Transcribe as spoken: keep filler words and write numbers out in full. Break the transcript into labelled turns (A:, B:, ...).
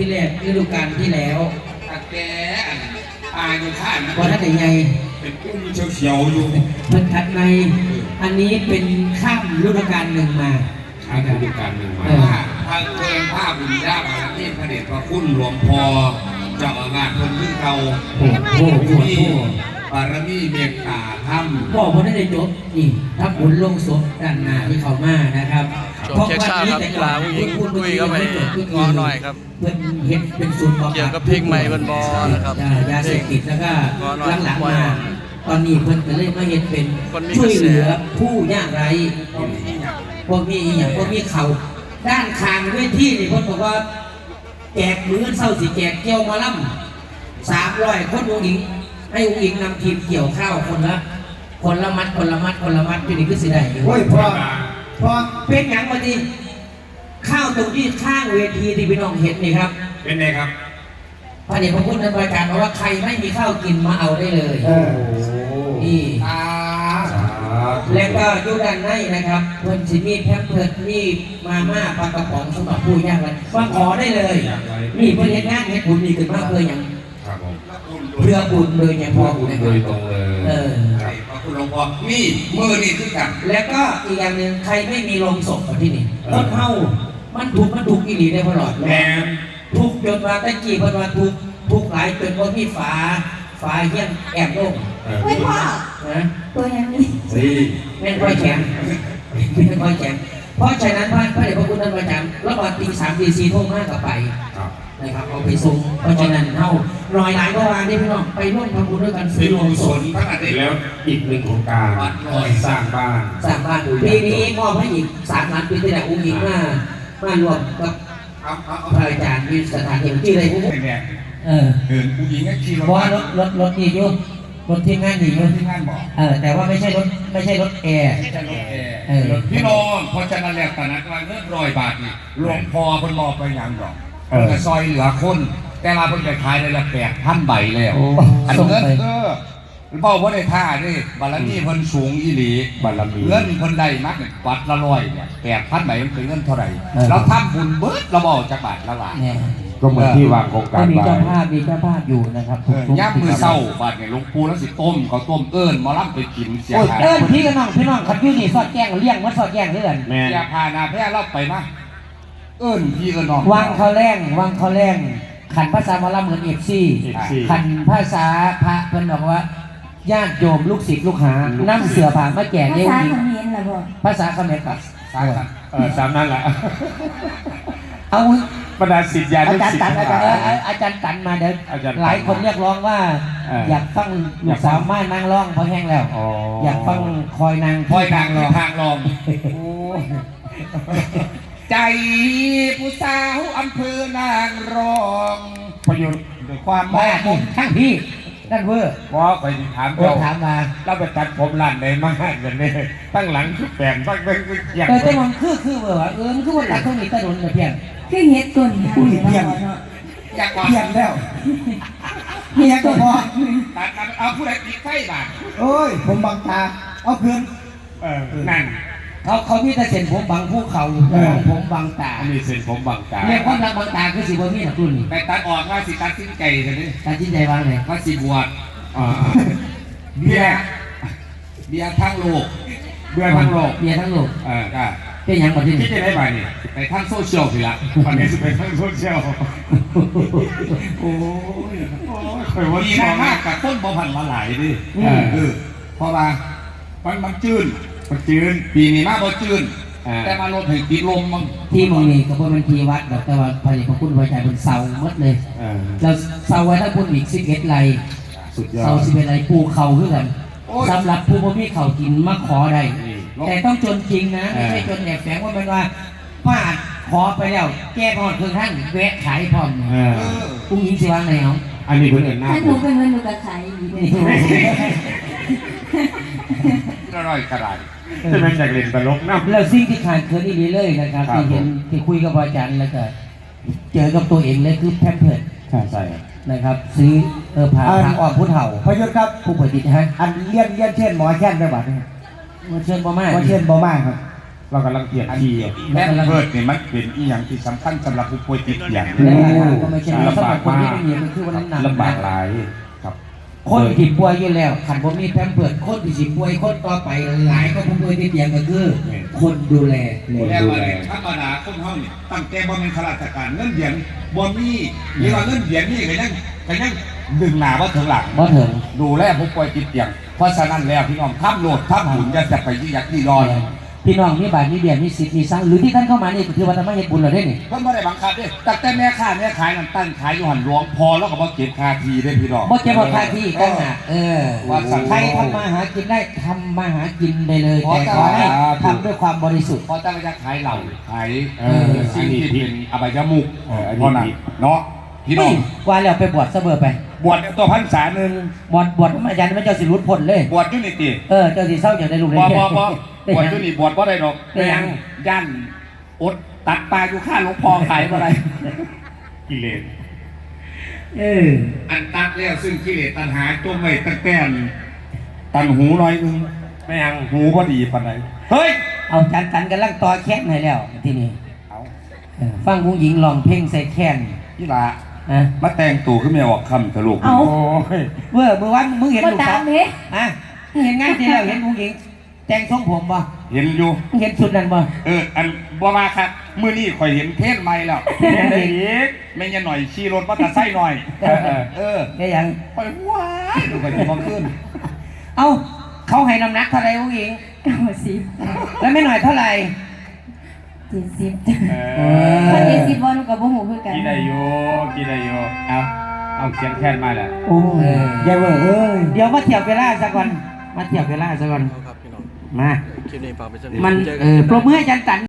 A: แรกฤดูกาลที่แล้ว
B: ตะแกอาอยู่ข้าง
A: วันนั้นใหญ่
B: เป็นกุ้งเฉียวๆอยู่
A: เพิ่นถัดในอันนี้เป็นข้ามฤดูกาลหนึ่งมา
B: ข้ามฤดูกาลหนึ่งมาทางเพลงภาพบุญญาบารมีพระเดชพระคุณหลวงพ่อเจ้าอาวาสคนที่เรา
A: โอ้โหที่
B: บารมีเมตตาธรรม
A: พ่อคนนั้นได้จบนี่ทับบุญลงศพด้านหน้าที่เขามานะครับ
C: เพราะว่านี้แต่ลาผู้หญิงคุยก็ไปงอหน่อยครับ
A: เพื่อนเห็นเป็นศูนย์
C: เกี่ยวกับเพลงใหม่บนบอนะครับ
A: ยาเสพติดแล้วก็หลังๆมาตอนนี้เพิ่นก็เลยมาเห็นเป็นช่วยเหลือผู้ยากไร้พวกนี้อย่างพวกนี้เขาด้านคางด้วยที่นี่เพิ่นบอกว่าแจกมือเศร้าสิแจกเกี่ยวมาล่ำสามร้อยคนองค์หญิงให้องค์หญิงนำทีมเกี่ยวข้าวคนละคนละมัดคนละมัดคนละมัดที่นี่ก็สิได้
D: โอ้ยพอพอ
A: เป็นอย่างมาดิข้าวตรงที่ข้างเวทีที่พี่น้องเห็นนี่ครับ
B: เป็นไงครับ
A: พระเดชพระคุณท่านประกาศว่าใครไม่มีข้าวกินมาเอาได้เลยนี่แล้วก็ยุดันในนะครับเพิ่นสิมีแพมเพิร์ดมีมาม่าปลากระป๋องสำหรับผู้ยากไร้มาขอได้เลยนี่เพื่อเฮ็ดงานเฮ็ดบุญนี่ขึ้นมาเพื่ออย่างเพื่อบุญเลยอย่างพอบุญ
B: โดยตรงเลยเออพระคุณหลวงพ่อนี่มือนี่คือกัน
A: แล้วก็อีกอย่างหนึ่งใครไม่มีโรงศพที่นี่ต้นเฮามันถูกมันถูกอีหลีได้ตลอด
B: แม่
A: ทุกจนมาตะกี้เพิ่นว่าทุกทุกหลายจนว่ามีฝาฝาเยี่ยงแอบลง
E: ไม่พ่อ
A: นะ
E: ตัวอย่างนี้
B: สิ
A: แม่นค่อยแข็งแม่นค่อยแข็งเพราะฉะนั้นพระพระเดชพระคุณท่านประจำแล้วก็ตีสามตีสี่ทุ่มห้ากับไปนะครับเอาไปส่งเพราะฉะนั้นเฮาลอยหลายเมื่อวานนี้พี่น้องไปร่วมทำบุญด้วยกันซื้อโรงศพ
B: พระอาทิตย์แล้วอีกหนึ่งโครงการสร้างบ้าน
A: สร้างบ้านปีนี้มอบให้อีกสามล้านปีที่แล้วอุ้งอิงมามารวมกับพระอาจารย์มีสถานที่ที่อะไรพวกนี้เออ
B: เดินผู้หญิงก็ขี่รถ
A: ว่ารถรถรถดีอยู่รถที่งานดีอยู่
B: ที่งานบอก
A: เออแต่ว่าไม่ใช่รถไม่ใช่รถแอร์
B: ไม่ใช่รถแอร์พี่น้องพอจะนั่นแหละตอนนั้นว่าเงินร้อยบาทนี่หลวงพ่อเพิ่นมอบไปยังดอกเออซอยเหลือคนแต่มาเพิ่นไปขายได้ละแปดพันใบแล้วอันเงินเออเบ้าว่าได้ท่าดิบารมีเพิ่นสูงอีหลี
D: บารมี
B: เงินเพิ่นได้มากเนี่ยวัดละร้อยเนี่ยแปดพันใบมันเป็นเงินเท่าไหร่เราทำบุญเบิดเราบอกจากบาทละบาท
D: ก็เหมือนที่วางโครงการ
A: มีเจ้าภาพมีเจ้าภาพอยู่นะครับ
B: ย่ำมือเศร้าบาดเนี่ยหลวงปู่แล้วสิต้มเขาต้มเอิญมาล่ำไปกินเสีย
A: หายเอิญพี่กับน้องพี่น้องขัดยุ่นี่สอดแจ้งเลี้ยงวัดสอดแจ้งเรื่อง
B: เสียพานาแพ้เล่าไปนะเอิญพี่กับน้อง
A: วางเขาแรงวางเขาแรงขันภาษามาล่ำเหมือนเอฟซีขันภาษาพระเพิ่นบอกว่าญาติโยมลูกศิษย์ลูกหานั่งเสือผ่ามาแก่
E: เนี่ยภาษาเขมรเหรอบ่
A: ภาษาเขมรกับ
D: เออสามนั่นแหละ
A: เอา
D: บรรดาศิษยา
A: อาจารย์ตันอาจารย์อาจารย์ตันมาเดินหลายคนเรียกร้องว่าอยากฟังลูกสาวม่านางร้องเพราะแห้งแล้วอยากฟังคอยนาง
B: คอยนางรองทางรองใจผู้สาวอำเภอนางรอง
D: ประโยชน์
A: ความแม่ทั้งพี่นั่นเวอร์
D: พอไปถาม
A: เราถามมา
D: เราไปตัดผมร้านไหนมาให้กันเนี่ยตั้งหลังคือแปลงตั้งเป็น
A: อย่างแต่แต่มันคือคือเวอร์เออมันคือวันหลักเขาหนีตะลุนเพียง
E: คือเฮ็ดตุน
A: อุ้ยเพียง
B: อยาก
A: เพียงแล้วเพียงก็พอ
B: ตัดเอาผู้ใดติดไฟบาด
A: โอ้ยผมบังตาเอาคืน
B: เออนั่น
A: เขาเขามีแต่เส้นผมบังภูเขาผมบังตา
D: มีเส้นผมบังตา
A: เรียกความรักบังตาคือสิบวันนี้นะคุณ
B: ไปตัดออกว่าสิตัดสิ้นใจเลยนี่
A: ตัดสิ้นใจวางเลย
B: ว่าสิบวชเบียร์เบียร์ทั้งโลก
A: เบียร์ทั้งโลกเบียร์ทั้งโลก
B: เออก็
A: เป็นยังประเทศ
B: ที่จะได้ไปนี่ไปทั้งโซเชียลสิละวันนี้จะไปทั้งโซเชียลโอ้ยโอ้ยมีมากกับต้นบอพันมาหลายดิเออเพราะว่ามันมันจืดมันจืดปีนี้มากพอจืดแต่มาลดถึงปีลมมั้ง
A: ที่มึงนี่ก็เพราะมันทีวัดแบบแต่ว่าพระเดชพระคุณไว้ใจเป็นเสาหมดเลยเราเสาไว้ถ้าคุณอีกสิบเอ็ดไรเสาสิบเอ็ดไรปูเข่าขึ้นกันสำหรับผู้บ่มีเข่ากินมาขอได้แต่ต้องจนจริงนะไม่ใช่จนแอบแฝงว่าเป็นว่าป้าขอไปแล้วแก้พอดเครื่องท่านแวะขายพร้อมปุ้งยิงสิวางไหนเอา
D: อันนี้เพื่อนหน้า
E: ถ้าหนูเป็นเงินหนูก็ขายดีเลย
B: อร่อยกระไร
D: จะเป็นจากเล่นตลกนะ
A: แล้วสิ่งที่ขาดเคินอีกเลยนะครับที่เห็นที่คุยกับอาจารย์แล้วก็เจอกับตัวเองเลยคือแพมเพิร์ด
D: ใช่
A: นะครับซื้อเออผ่าทางอ้อมผู้เฒ่า
D: พยศครับ
A: ผู้ป่วยติดฮะ
D: อันเลี้ยนเลี้ยนเช่นหมอแช่นได้บัดนี้
A: มาเชิญบ่มาก
D: มาเช่นบ่มากครับเรากำลังเปลี่ยนทีอ่ะ
B: แม่เพิดนี่มันเป็นอีหยังที่สำคัญสำหรับผู้ป่วยติดเตียง
A: และราคาก็ไม่ใช่น้อยสำหรับคนที่ไม่มีมันคือว่าน้ำหนัก
D: ลำบากหลายครับ
A: คนที่ป่วยอยู่แล้วขันผมมีแพมเพิร์สคนที่สิป่วยคนต่อไปหลายก็ผู้ป่วยที่เตียงก็คือคนดูแล
B: ดูแลว่าเนี่ยธรรมดาคนเฮานี่ตั้งแต่บ่เป็นข้าราชการเงินเดือนบ่มีหรือว่าเงินเดือนนี่ก็ยังก็ยังดึงหน้าบ่ถึงหลัง
A: บ่ถึง
B: ดูแลผู้ป่วยติดเตียงเพราะฉะนั้นแล้วพี่น้องทำโหลดทำหุ่นอย่าจะไปยี่ยักยี่ยอน
A: พี่น้องมีบาทมีเดียมีสิทธิ์มีสร้างหรือที่ท่านเข้ามานี่คือว่าทำไมเฮ็ดบุญเราได้นี่
B: เพิ่นบ่ได้บังคับเด้ตั้งแต่แม่ค้าแม่ขายนั่นตั้งขายอยู่หันหลวงพอแล้วก็บ่เก็บค่าทีได้พี่น้อง
A: บ่เจ็บบ่ค่าที่ตั้งหากเออ
B: ว่าสัง
A: ใครทำมาหากินได้ทำมาหากินได้เลยแต่ขอให้ทำด้วยความบริสุทธิ์
B: พอตั้งจะขายเหล้าขาย
D: เอ
B: เอ
D: อ
B: อสิ่งที่เป็นอบายมุก
D: เอออันนี้
B: เพราะนั้นเนาะพี่น้อง
A: ว่าแล้วไปบวชซะเบอร์ไป
B: บวชตัวพรรษาหนึง
A: บวชบวชอาจารย์ไม่เจ้าสิรุดพ้นเลย
B: บวชอยู่นี่ติ
A: เออเจ้าสิเศร้าอย่างได้ลูก
B: บ่
A: ได้
B: บ่บ่
A: ได้
B: บวช
A: ห
B: อยู่นี่บวชบ่ได้ดอก
A: ได้หยัง
B: ย่านอดตัดปลาอยู่ข้างหลวงพ่อขายบ่ได้
D: กิเลส
A: เออ
B: อันตัดแล้วซึ่งกิเลสตัณหาจมไว้ตั้งแต่ตันหูน้อยนึง
D: ไม่ยัง
B: หูบ่ดีปานใดเฮ้ย
A: เอาจันจันกันลังต่อแค้นให้แล้วทีนี้
B: เอา
A: เออฟังผู้หญิงร้องเพลงใส่แค้น
B: อีหลา
A: อ่ะ
B: มาแต่งตัวขึ้นมาออกคำทะลุ
E: เอา
D: โอ้ย
A: เมื่อเมื่อวันมึงเห็น
E: บ่
A: ลูก
E: ตา
A: สาม ว
E: เด้
A: อ่ะมึงเห็นงานที่แล้วเห็นผู้หญิงแต่งทรงผมบ่
B: เห็นอยู่
A: มึงเห็นชุดนั้นบ่
B: เออ อันบ่มาครับมื้อนี้ข่อยเห็นเพศใหม่แล้ว
A: เห็นได้อี
B: กแม่งยังหน่อยขี่รถมอเตอร์ไซค์หน่อย
A: เออ
B: เออ
A: ได้ยัง
B: ข่อยว้ายดูข่อยสิบ่ขึ้น
A: เอ้าเขาให้น้ำหนักเท่าไหร่ผู้หญิง
E: เก้าสิบ
A: แล้วไม่หน่อยเท่าไหร่
E: เจ็ดสิบจ้ะ
D: เอ
E: ถ้า
D: อ
E: เจ็ดสิบบ่หนูก็บ่ฮู้คือกัน
D: กินได้อยู่กินได้อยู่เอาเอาเสียงแค้นมาแหละ
A: โอ้ยยายเว้ยเอ้ยเดี๋ยวมาเทียบเวลาซะก่อนมาเทียบเวลาซะก่อน
C: ครับพี่น้อง
A: มา
C: คลิปนี้ฝากไปสัก
A: มัน
C: เจอกั
A: เออปรบมือให้อาจันตัน